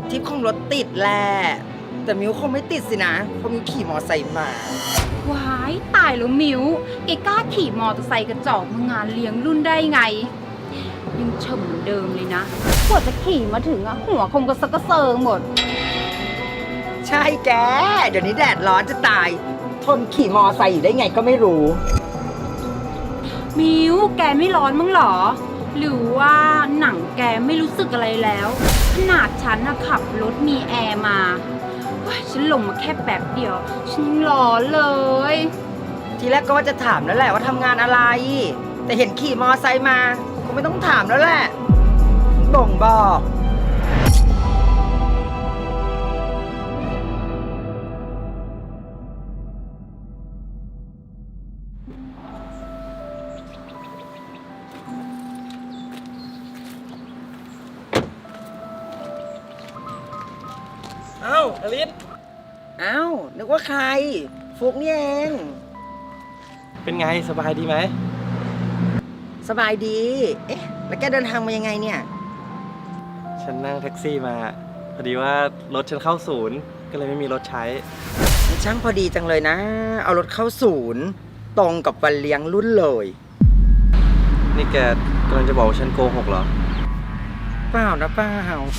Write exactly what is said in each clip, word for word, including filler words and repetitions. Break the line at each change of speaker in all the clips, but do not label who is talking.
ทิปคงรถติดแหละแต่มิวคงไม่ติดสินะเพราะมิวขี่มอไซค์มา
ว้ายตายแล้วมิวแกกล้าขี่มอเตอร์ไซค์กระจอกมางานเลี้ยงรุ่นได้ไงยังเฉมเหมือนเดิมเลยนะกว่าจะขี่มาถึงอะหัวคงกระซักกระเซิงหมด
ใช่แกเดี๋ยวนี้แดดร้อนจะตายทนขี่มอไซค์อยู่ได้ไงก็ไม่รู้
มิวแกไม่ร้อนมั้งหรอหรือว่าหนังแกไม่รู้สึกอะไรแล้วขนาดฉันนะขับรถมีแอร์มาฉันลงมาแค่แป๊บเดียวฉันยังร้อนเลย
ทีแรกก็ว่าจะถามแล้วแหละว่าทำงานอะไรแต่เห็นขี่มอไซค์มาคงไม่ต้องถามแล้วแหละบ่งบอก
เอ้าอลิส
เอ้านึกว่าใครฟุกนี่เอง
เป็นไงสบายดีไหม
สบายดีเอ๊ะแล้วแกเดินทางมายังไงเนี่ย
ฉันนั่งแท็กซี่มาพอดีว่ารถฉันเข้าศูนย์ก็เลยไม่มีรถใช้
ช่างพอดีจังเลยนะเอารถเข้าศูนย์ตรงกับวันเลี้ยงรุ่นเลย
นี่แกกำลังจะบอกว่าฉันโกหกเหรอ
เปล่านะเปล่า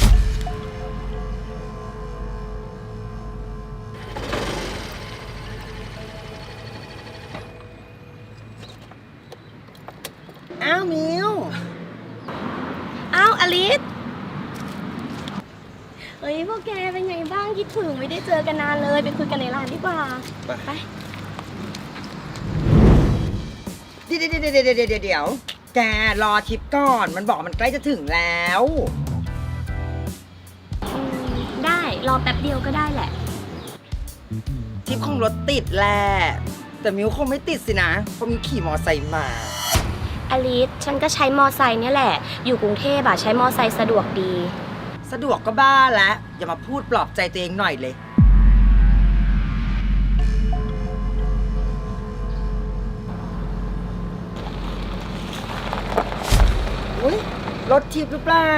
อ้าวมิว
อ้าวอลิสเฮ้ยพวกแกเป็นไงบ้างคิดถึงไม่ได้เจอกันนานเลยไปคุยกันในร้านดีกว่าไป
เดี๋ยวเดี๋ยวเดี๋ยวเดี๋ยวเดี๋ยวแกรอทิปก่อนมันบอกมันใกล้จะถึงแล้ว
ได้รอแป๊บเดียวก็ได้แหละ
ทิปคงรถติดแหละแต่มิวคงไม่ติดสินะเพราะมิวขี่มอไซค์มา
อลิสฉันก็ใช้มอไซค์เนี่ยแหละอยู่กรุงเทพอะใช้มอไซค์สะดวกดี
สะดวกก็บ้าแล้วอย่ามาพูดปลอบใจตัวเองหน่อยเลยอุ๊ยรถทิปหรือเปล่า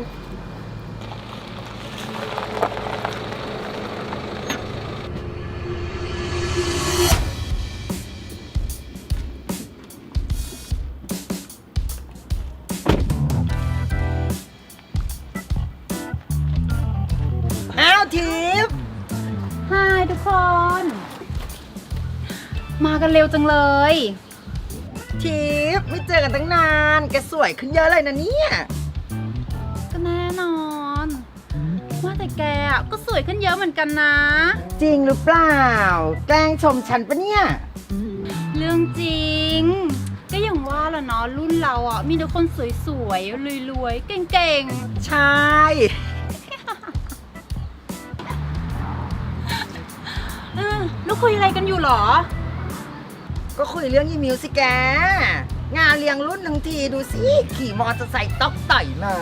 ทิป
ฮายทุกคนมากันเร็วจังเลย
ทิปไม่เจอกันตั้งนานแกสวยขึ้นเยอะเลยนะเนี่ย
ก็แน่นอนว่าแต่แกอ่ะก็สวยขึ้นเยอะเหมือนกันนะ
จริงหรือเปล่าแกล้งชมฉันปะเนี่ย
เรื่องจริงก็อย่างว่าล่ะเนาะรุ่นเราอ่ะมีแต่คนสวยๆรวยๆเก่ง
ๆใช่
แล้วคุยอะไรกันอยู่หรอ
ก็คุยเรื่องยี่มิวสิแกงานเลี้ยงรุ่นทั้งทีดูสิขี่มอเตอร์ไซค์ต๊อกต่อยมา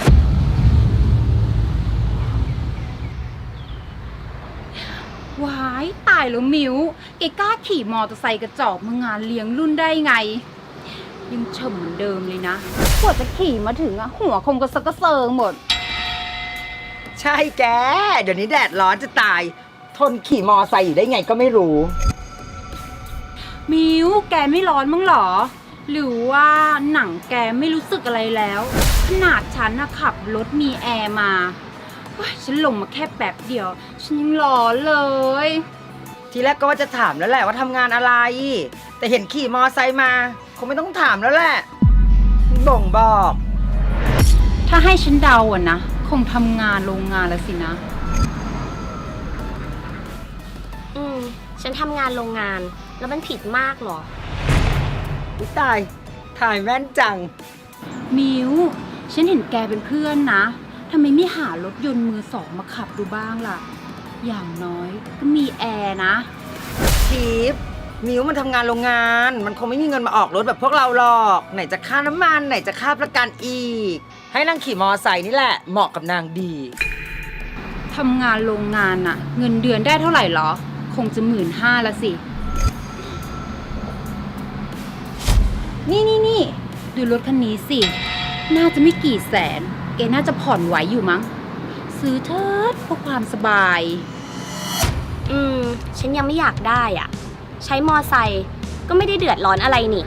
ว้ายตายแล้วมิวแกกล้าขี่มอเตอร์ไซค์กระจอกมางานเลี้ยงรุ่นได้ไงยังเฉมเหมือนเดิมเลยนะกว่าจะขี่มาถึงอะหัวคงกระซักกระเซิงหมด
ใช่แกเดี๋ยวนี้แดดร้อนจะตายทนขี่มอไซค์อยู่ได้ไงก็ไม่รู้
มิวแกไม่ร้อนมั้งหรอหรือว่าหนังแกไม่รู้สึกอะไรแล้วขนาดฉันนะขับรถมีแอร์มาฉันลงมาแค่แป๊บเดียวฉันยังร้อนเลย
ทีแรกก็ว่าจะถามแล้วแหละว่าทำงานอะไรแต่เห็นขี่มอไซค์มาคงไม่ต้องถามแล้วแหละบ่งบอก
ถ้าให้ฉันเดาอะนะคงทำงานโรงงานแล้วสินะ
อืมฉันทำงานโรงงานแล้วมันผิดมากหรอ
อุ๊ยตายถ่ายแม่นจัง
มิวฉันเห็นแกเป็นเพื่อนนะทำไมไม่หารถยนต์มือสองมาขับดูบ้างล่ะอย่างน้อยก็มีแอร์นะ
ทิปมิวมันทำงานโรงงานมันคงไม่มีเงินมาออกรถแบบพวกเราหรอกไหนจะค่าน้ำมันไหนจะค่าประกันอีกให้นางขี่มอไซค์นี่แหละเหมาะกับนางดี
ทำงานโรงงานน่ะเงินเดือนได้เท่าไหร่หรอคงจะหมื่นห้าละสินี่นี่นี่ดูรถคันนี้สิน่าจะไม่กี่แสนแกน่าจะผ่อนไหวอยู่มั้งซื้อเถิดเพื่อความสบาย
อืม ฉันยังไม่อยากได้อ่ะ ใช้มอไซค์ก็ไม่ได้เดือดร้อนอะไรนี่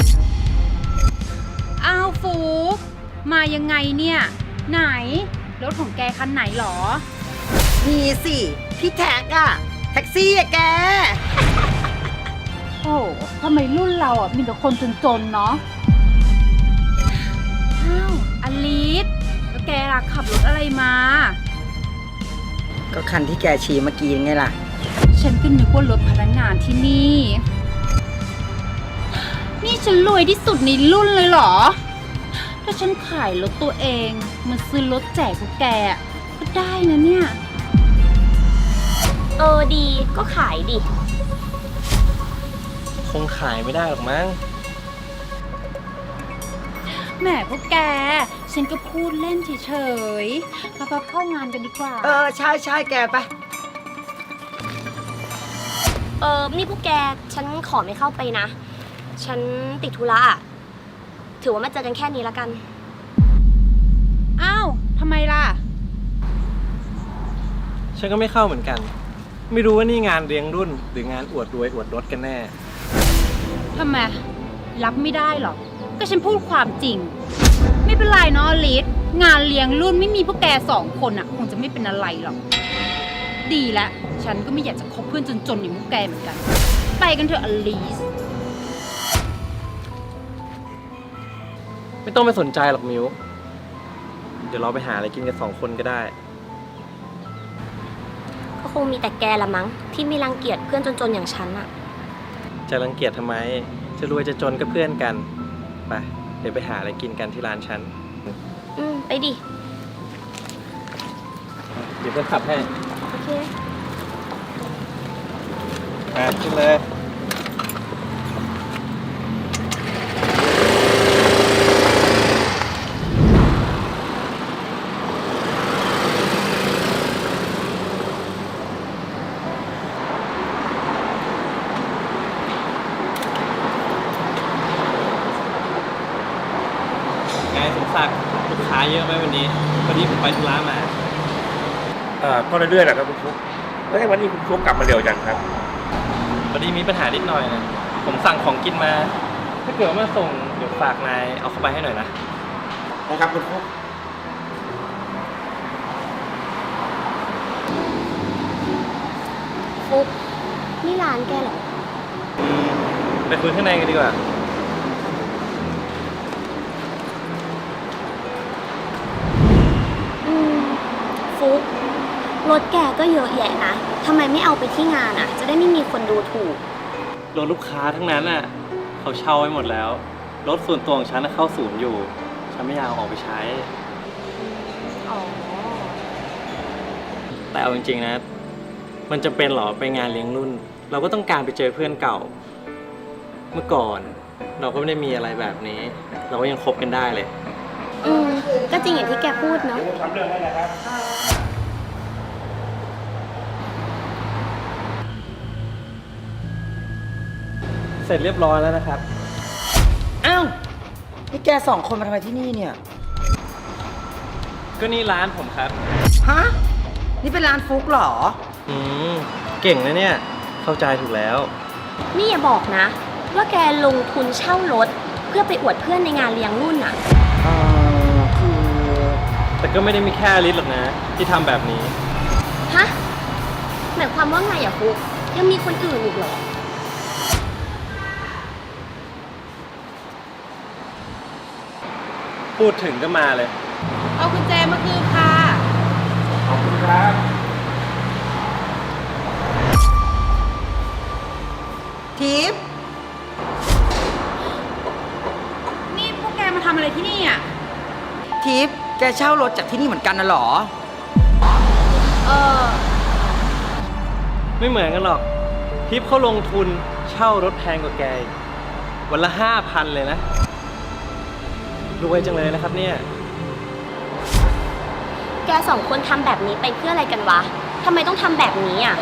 อ้าวฟุกมายังไงเนี่ย ไหน รถของแกคันไหนหรอ
มีสิ พี่แท็กอะแท็กซี่อะแก
โอ้ทำไมรุ่นเราอ่ะมีแต่คนจนๆเนาะ อ้าวอลิสแล้วแกล่ะขับรถอะไรมา
ก็คันที่แกชี้เมื่อกี้ไงล่ะ
ฉันก็นึกว่ารถพนักงานที่นี่ นี่ฉันรวยที่สุดในรุ่นเลยเหรอ ถ้าฉันขายรถตัวเองมาซื้อรถแจกพวกแกอะก็ได้นะเนี่ย
เออดีก็ขายดิ
คงขายไม่ได้หรอกมั้ง
แหมพวกแก ฉันก็พูดเล่นเฉยๆเราไปเข้างานกันดีกว่า
เออ ใช่ใช่แกไป
เออ นี่พวกแก ฉันขอไม่เข้าไปนะ ฉันติดธุระอะถือว่ามาเจอกันแค่นี้ละกัน
อ้าวทำไมล่ะ
ฉันก็ไม่เข้าเหมือนกัน ไม่รู้ว่านี่งานเลี้ยงรุ่น หรืองานอวดรวยอวดรถกันแน่
ทำไม รับไม่ได้หรอ ก็ฉันพูดความจริง ไม่เป็นไรเนาะอลิสงานเลี้ยงรุ่นไม่มีพวกแกสองคนอ่ะ คงจะไม่เป็นอะไรหรอก ดีละฉันก็ไม่อยากจะคบเพื่อนจนๆอย่างพวกแกเหมือนกัน ไปกันเถอะอลิส
ไม่ต้องไปสนใจหรอกมิว เดี๋ยวเราไปหาอะไรกินกันสองคนก็ได้
ก็คงมีแต่แกละมั้ง ที่ไม่รังเกียจเพื่อนจนๆอย่างฉันอะ
จะรังเกียจทำไม จะรวยจะจนก็เพื่อนกัน ไป เดี๋ยวไปหาอะไรกินกันที่ร้านฉัน
อืม ไปดิ
เดี๋ยวเพื่อนขับให้
โอเค
อ่ะขึ้นเลย ไงสมศักดิ์ลูกค้าเยอะไหมวันนี้พอดีผมไปธุระมา
เอ่อก็เรื่อยๆแหละครับคุณฟลุ๊กแล้ววันนี้คุณฟลุ๊กกลับมาเร็วจังครับ
พอดีมีปัญหานิดหน่อยนะ ผมสั่งของกินมา ถ้าเกิดว่ามาส่งเดี๋ยวฝากนายเอาเข้าไปให้หน่อยนะ
นะครับคุณฟลุ๊ก
ฟุกนี่ร้านแกเหรอ
อืมไปคุยข้างในกันดีกว่า
อืม ฟุกรถแกก็เยอะแยะนะ ทำไมไม่เอาไปที่งานอะจะได้ไม่มีคนดูถูก
รถลูกค้าทั้งนั้นน่ะเขาเช่าไว้หมดแล้ว รถส่วนตัวของฉันน่ะเข้าศูนย์อยู่ ฉันไม่อยากเอาออกไปใช้
อ๋อ
แต่เอาจริงๆนะ มันจะเป็นเหรอไปงานเลี้ยงรุ่น เราก็ต้องการไปเจอเพื่อนเก่า เมื่อก่อน เราก็ไม่ได้มีอะไรแบบนี้ เราก็ยังคบกันได้เลย
อืม ก็จริงอย่างที่แกพูดเนาะ
ทำเรื่องให้นะครับ
เสร็จเรียบร้อยแล้วนะครับ
อ้าว นี่แกสองคนมาทำไมที่นี่เนี่ย
ก็นี่ร้านผมครับ
ฮะ นี่เป็นร้านฟุกเหรอ
อืมเก่งนะเนี่ย เข้าใจถูกแล้ว
นี่อย่าบอกนะ ว่าแกลงทุนเช่ารถ เพื่อไปอวดเพื่อนในงานเลี้ยงรุ่นอะ
เออคือ
แต่ก็ไม่ได้มีแค่อลิสหรอกนะ ที่ทำแบบนี้
ฮะ หมายความว่าไงอะฟุกยังมีคนอื่นอีกเหรอ
พูดถึงก็มาเลย
เอากุญแจมาคืนค่ะ
ขอบคุณครับ
ทิพย์
นี่พวกแกมาทำอะไรที่นี่อ่ะ
ทิพย์แกเช่ารถจากที่นี่เหมือนกันนะเหรอ
เออ
ไม่เหมือนกันหรอก ทิปเขาลงทุนเช่ารถแพงกว่าแกอีกวันละห้าพันเลยนะ รวยจังเลยนะครับเนี่ย
แกสองคนทำแบบนี้ไปเพื่ออะไรกันวะทำไมต้องทำแบบนี้อะ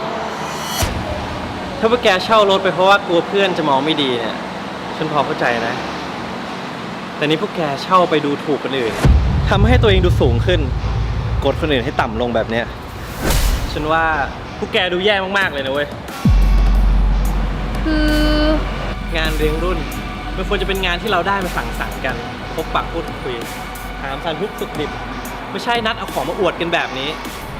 ถ้าว่าแกเช่ารถไปเพราะว่ากลัวเพื่อนจะมองไม่ดีเนี่ย ฉันพอเข้าใจนะ แต่นี่พวกแกเช่าไปดูถูกคนอื่นทำให้ตัวเองดูสูงขึ้น โกกดคนอื่นให้ต่ำลงแบบเนี้ยฉันว่าพวกแกดูแย่มากๆเลยนะเว้ย
คือ
งานเลี้ยงรุ่นมันควรจะเป็นงานที่เราได้มาสั่งสรรค์กันพบปะพูดคุยถามสารทุกข์สุขดิบไม่ใช่นัดเอาของมาอวดกันแบบนี้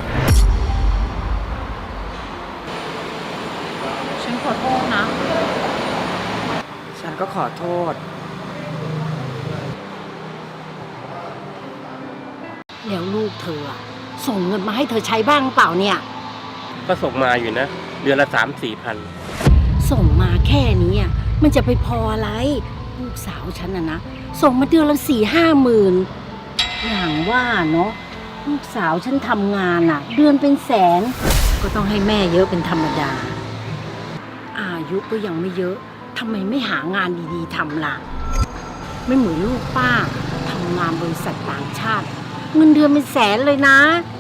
ฉันขอโทษนะ
ฉันก็ขอโทษ
แล้วลูกเธออะส่งเงินมาให้เธอใช้บ้างเปล่าเนี่ย
ก็ส่งมาอยู่นะ เดือนละสามสี่พัน
ส่งมาแค่นี้อะมันจะไปพออะไร ลูกสาวฉันนะนะส่งมาเดือนละสี่ห้าหมื่นอย่างว่าเนาะลูกสาวฉันทำงานอะเดือนเป็นแสน ก็ต้องให้แม่เยอะเป็นธรรมดา อายุก็ยังไม่เยอะทำไมไม่หางานดีๆทำล่ะ ไม่เหมือนลูกป้าทำงานบริษัทต่างชาติ เงินเดือนเป็นแสนเลยนะ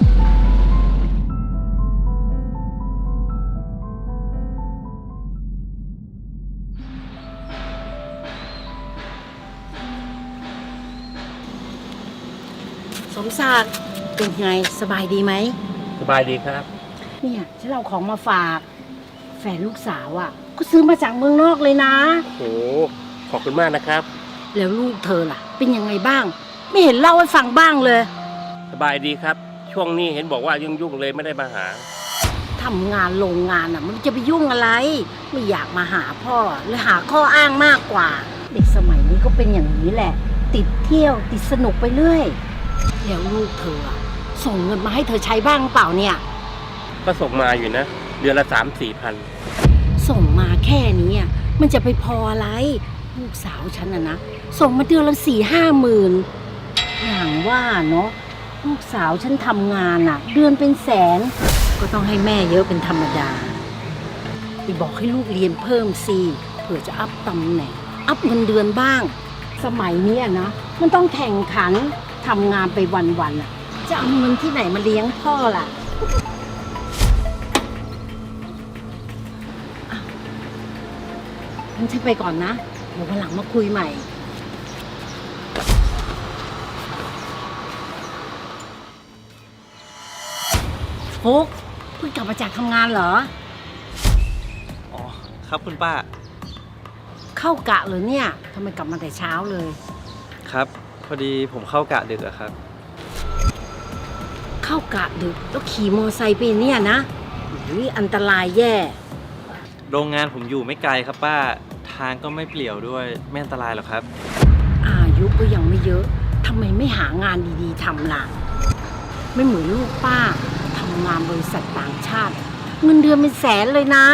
สมศักดิ์เป็นไงสบายดีไหม
สบายดีครับ
เนี่ยฉันเอาของมาฝาก แฟนลูกสาวอ่ะ ก็ซื้อมาจากเมืองนอกเลยนะ
โอ้ขอบคุณมากนะครับ
แล้วลูกเธอล่ะ เป็นยังไงบ้าง ไม่เห็นเล่าให้ฟังบ้างเลย
สบายดีครับ ช่วงนี้เห็นบอกว่ายุ่งๆเลยไม่ได้มาหา
ทำงานโรงงานอ่ะ มันจะไปยุ่งอะไร ไม่อยากมาหาพ่อเลยหาข้ออ้างมากกว่า เด็กสมัยนี้ก็เป็นอย่างนี้แหละ ติดเที่ยวติดสนุกไปเรื่อยแล้วลูกเธออะส่งเงินมาให้เธอใช้บ้างเปล่าเนี่ย
ก็ส่งมาอยู่นะ เดือนละสามสี่พัน
ส่งมาแค่นี้อะมันจะไปพออะไร ลูกสาวฉันอะนะส่งมาเดือนละสี่ห้าหมื่นอย่างว่าเนาะลูกสาวฉันทำงานอะเดือนเป็นแสน ก็ต้องให้แม่เยอะเป็นธรรมดาไปบอกให้ลูกเรียนเพิ่มสิเผื่อจะอัพตำแหน่งอัพเงินเดือนบ้าง สมัยเนี้ยนะมันต้องแข่งขันทำงานไปวันๆอะจะเอาเงินที่ไหนมาเลี้ยงพ่อล่ะ งั้นฉันไปก่อนนะ เดี๋ยววันหลังมาคุยใหม่ ฟุกเพิ่งกลับมาจากทำงานเหรอ
อ๋อครับคุณป้า
เข้ากะเลยเนี่ยทำไมกลับมาแต่เช้าเลย
ครับพอดีผมเข้ากะดึกอะครับ
เข้ากะดึกแล้วขี่มอไซค์ไปเนี่ยนะอุ๊ยอันตรายแย่
โรงงานผมอยู่ไม่ไกลครับป้าทางก็ไม่เปลี่ยวด้วยไม่อันตรายหรอกครับ
อายุก็ยังไม่เยอะทำไมไม่หางานดีๆทำล่ะ ไม่เหมือนลูกป้าทำงานบริษัทต่างชาติ เงินเดือนเป็นแสนเลยนะ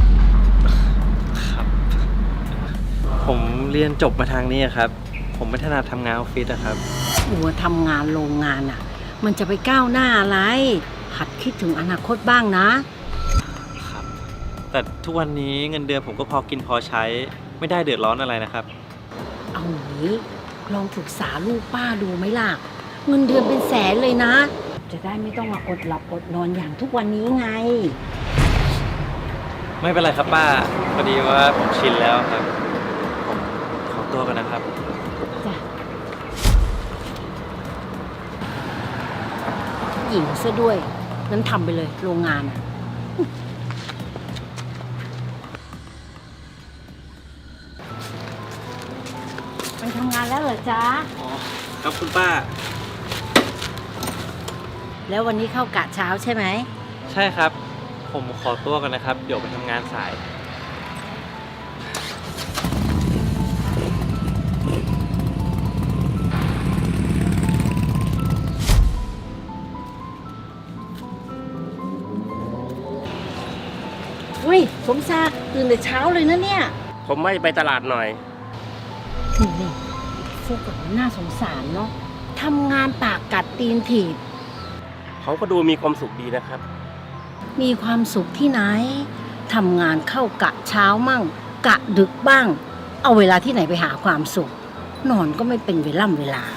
ครับ ผมเรียนจบมาทางนี้อะครับ ผมไม่ถนัดทำงานออฟฟิศอะครับ
หัวทำงานโรงงานอ่ะ มันจะไปก้าวหน้าอะไร หัดคิดถึงอนาคตบ้างนะ
ครับ แต่ทุกวันนี้เงินเดือนผมก็พอกินพอใช้ไม่ได้เดือดร้อนอะไรนะครับ
เอาอย่างนี้ลองปรึกษาลูกป้าดูไหมล่ะ เงินเดือนเป็นแสนเลยนะ จะได้ไม่ต้องมาอดหลับอดนอนอย่างทุกวันนี้ไง
ไม่เป็นไรครับป้าพอดีว่าผมชินแล้วครับ ผมขอตัวกันนะครับ
จ้ะหญิงซะด้วยงั้นทำไปเลยโรงงานอะไปทำงานแล้วเหรอจ๊ะ
อ๋อ ครับคุณป้า
แล้ววันนี้เข้ากะเช้าใช่ไหม
ใช่ครับ ผมขอตัวกันนะครับ เดี๋ยวไปทำงานสาย
อุ้ยสมศักดิ์ตื่นแต่เช้าเลยนะเนี่ย
ผมไม่ไปตลาดหน่อย
นี่นี่พวกแบบน่าสงสารเนาะทำงานปากกัดตีนถีบ
เขาก็ดูมีความสุขดีนะครับ
มีความสุขที่ไหนทำงานเข้ากะเช้ามั่ง กะดึกบ้าง เอาเวลาที่ไหนไปหาความสุข นอนก็ไม่เป็นเวล่ำเวลา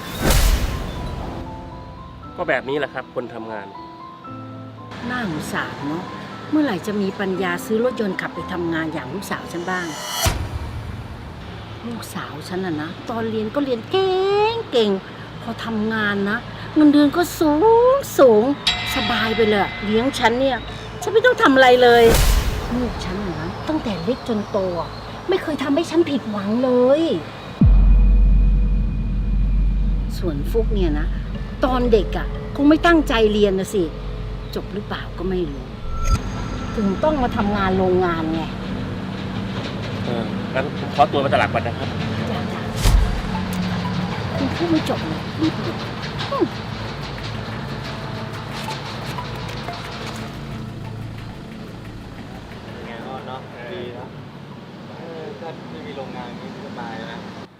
ก็แบบนี้แหละครับ คนทำงาน
น่าสงสารเนาะเมื่อไหร่จะมีปัญญาซื้อรถยนต์ขับไปทำงานอย่างลูกสาวฉันบ้าง ลูกสาวฉันน่ะนะตอนเรียนก็เรียนเก่งเก่งพอทำงานนะเงินเดือนก็สูงสูงสบายไปเลยอะเลี้ยงฉันเนี่ย ฉันไม่ต้องทำอะไรเลยลูกฉันนะตั้งแต่เล็กจนโตอะไม่เคยทำให้ฉันผิดหวังเลย ส่วนฟุกเนี่ยนะ ตอนเด็กอะคงไม่ตั้งใจเรียนนะสิ จบหรือเปล่าก็ไม่รู้ ถึงต้องมาทำงานโรงงานไง
เอองั้นผมขอตัวมาตลาดก่อนนะครับ
จ้าจ้าคุณพูดไม่จบเลยรีบหยุดอืม
ไงก็เนาะดีนะเออถ้าไม่มีโรงงานนี้สบายนะ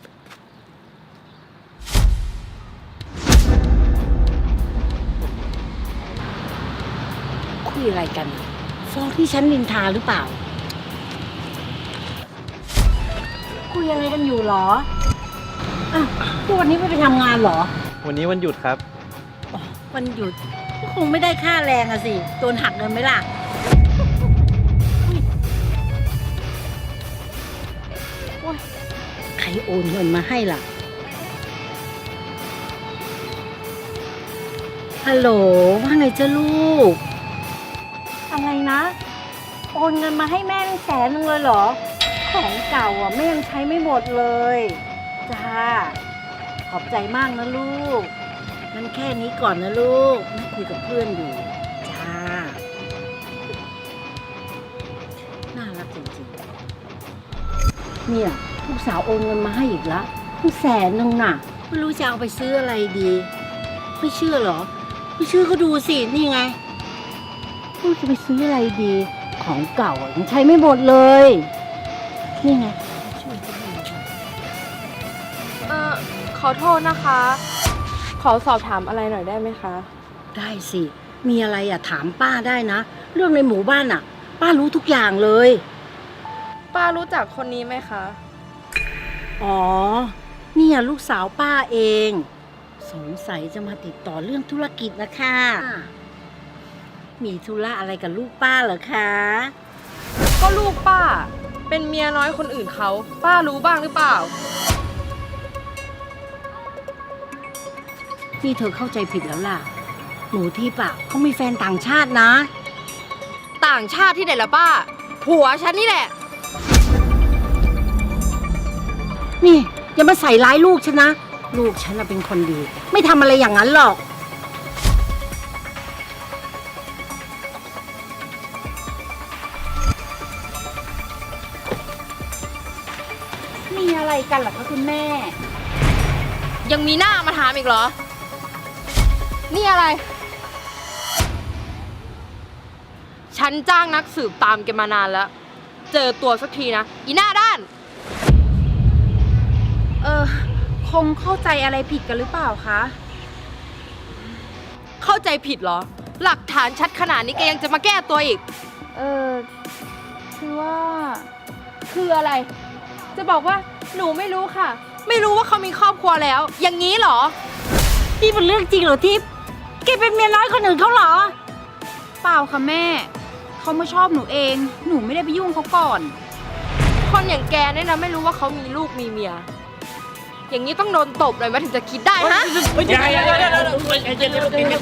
คุยอะไรกันฟ้องที่ฉันนินทาหรือเปล่า คุยอะไรกันอยู่เหรออ่ะพวกวันนี้ไม่ไปทำงานเหรอ
วันนี้วันหยุดครับ
อ๋อวันหยุดก็คงไม่ได้ค่าแรงอะสิโดนหักเงินไหมล่ะโอ๊ยใครโอนเงินมาให้ล่ะ ฮัลโหลว่าไงจ้าลูก อะไรนะ โอนเงินมาให้แม่เป็นแสนนึงเลยเหรอ ของเก่าอ่ะแม่ยังใช้ไม่หมดเลย จ้า ขอบใจมากนะลูกงั้นแค่นี้ก่อนนะลูกแม่คุยกับเพื่อนอยู่ จ้า น่ารักจริงๆ เนี่ยลูกสาวโอนเงินมาให้อีกละตั้งแสนนึงน่ะ ไม่รู้จะเอาไปซื้ออะไรดี ไม่เชื่อเหรอ ไม่เชื่อก็ดูสิ นี่ไงลูกจะไปซื้ออะไรดี ของเก่าอ่ะยังใช้ไม่หมดเลย นี่ไงช่วยฉันหน่อยค่ะ
เอ่อขอโทษนะคะ ขอสอบถามอะไรหน่อยได้ไหมคะ
ได้สิ มีอะไรอ่ะถามป้าได้นะ เรื่องในหมู่บ้านอ่ะ ป้ารู้ทุกอย่างเลย
ป้ารู้จักคนนี้ไหมคะ
อ๋อ เนี่ยลูกสาวป้าเอง สงสัยจะมาติดต่อเรื่องธุรกิจนะคะ มีธุระอะไรกับลูกป้าเหรอคะ
ก็ลูกป้า เป็นเมียน้อยคนอื่นเขา ป้ารู้บ้างหรือเปล่า
นี่เธอเข้าใจผิดแล้วล่ะ หนูที่ปะเขามีแฟนต่างชาตินะ
ต่างชาติที่ไหนล่ะป้า ผัวฉันนี่แหละ
นี่อย่ามาใส่ร้ายลูกฉันนะ ลูกฉันน่ะเป็นคนดี ไม่ทำอะไรอย่างนั้นหรอก
มีอะไรกันเหรอคะคุณแม่
ยังมีหน้ามาถามอีกเหรอ นี่อะไร ฉันจ้างนักสืบตามแกมานานแล้ว เจอตัวสักทีนะ อีหน้าด้าน
เออ คงเข้าใจอะไรผิดกันหรือเปล่าคะ
เข้าใจผิดเหรอ หลักฐานชัดขนาดนี้แกยังจะมาแก้ตัวอีก
เออ คือว่า คืออะไร
จะบอกว่าหนูไม่รู้ค่ะ ไม่รู้ว่าเขามีครอบครัวแล้ว อย่างนี้เหรอ
นี่เป็นเรื่องจริงเหรอทิพย์แกเป็นเมียน้อยคนอื่นเขาเหรอ
เปล่าค่ะแม่ เขามาชอบหนูเอง หนูไม่ได้ไปยุ่งเขาก่อน
คนอย่างแกเนี่ยนะไม่รู้ว่าเขามีลูกมีเมีย อย่างนี้ต้องโดนตบเลยมาถึงจะคิดได้ฮะ
อย่าอย่าอย่าอย่าอย่า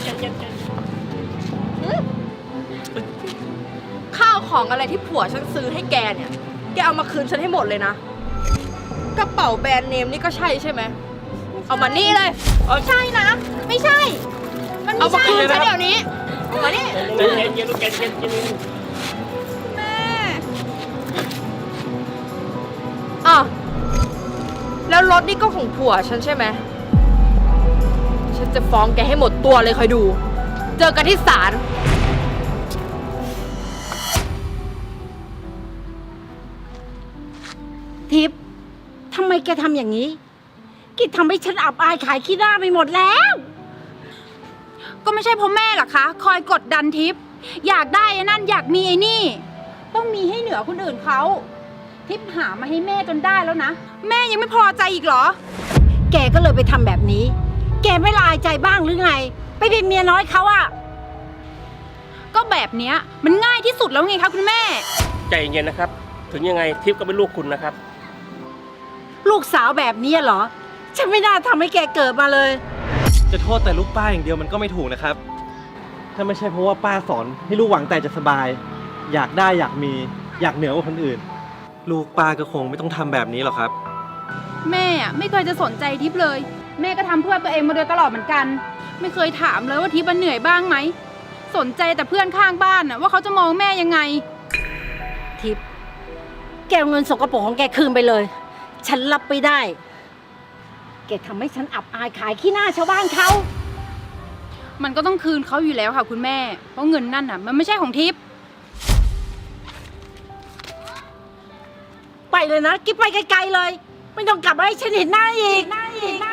ข้าวของอะไรที่ผัวฉันซื้อให้แกเนี่ย แกเอามาคืนฉันให้หมดเลยนะ กระเป๋าแบรนด์เนมนี่ก็ใช่ใช่ไหม เอามานี่เลย
ใช่นะ ไม่ใช่ มัน
เอา
ไม่
มา
ใช่
คืนฉันเดี๋ยวนี้เอามานี่
เย็นเย็นลูกเย็นเย็นเย็น
แม่
อ่ะแล้วรถนี่ก็ของผัวฉันใช่ไหม ฉันจะฟ้องแกให้หมดตัวเลยคอยดู เจอกันที่ศาล
ทิพย์ทำไมแกทำอย่างนี้แกทำให้ฉันอับอายขายขี้หน้าไปหมดแล้ว
ก็ไม่ใช่เพราะแม่หรอกคะ คอยกดดันทิพย์อยากได้ไอ้นั่นอยากมีไอ้นี่ ต้องมีให้เหนือคนอื่นเขา ทิพย์หามาให้แม่จนได้แล้วนะ แม่ยังไม่พอใจอีกเหรอ
แกก็เลยไปทำแบบนี้ แกไม่ละอายใจบ้างหรือไง ไปเป็นเมียน้อยเขาอะ
ก็แบบเนี้ยมันง่ายที่สุดแล้วไงคะคุณแม่
ใจเย็นนะครับ ถึงยังไงทิพย์ก็เป็นลูกคุณนะครับ
ลูกสาวแบบนี้เหรอ ฉันไม่น่าทำให้แกเกิดมาเลย
จะโทษแต่ลูกป้าอย่างเดียวมันก็ไม่ถูกนะครับ ถ้าไม่ใช่เพราะว่าป้าสอนให้ลูกหวังแต่จะสบาย อยากได้อยากมีอยากเหนือกว่าคนอื่น ลูกป้าก็คงไม่ต้องทำแบบนี้หรอกครับ
แม่อะไม่เคยจะสนใจทิพย์เลย แม่ก็ทำเพื่อตัวเองมาโดยตลอดเหมือนกัน ไม่เคยถามเลยว่าทิพย์มันเหนื่อยบ้างไหม สนใจแต่เพื่อนข้างบ้านน่ะว่าเขาจะมองแม่ยังไง
ทิพย์แกเอาเงินสกปรกของแกคืนไปเลย ฉันรับไม่ได้ แกทำให้ฉันอับอายขายขี้หน้าชาวบ้านเขา
มันก็ต้องคืนเขาอยู่แล้วค่ะคุณแม่ เพราะเงินนั่นน่ะมันไม่ใช่ของทิพย์
ไปเลยนะกิ๊บไปไกลๆเลย ไม่ต้องกลับมาให้ฉันเห็นหน้าอีกหน้าอีก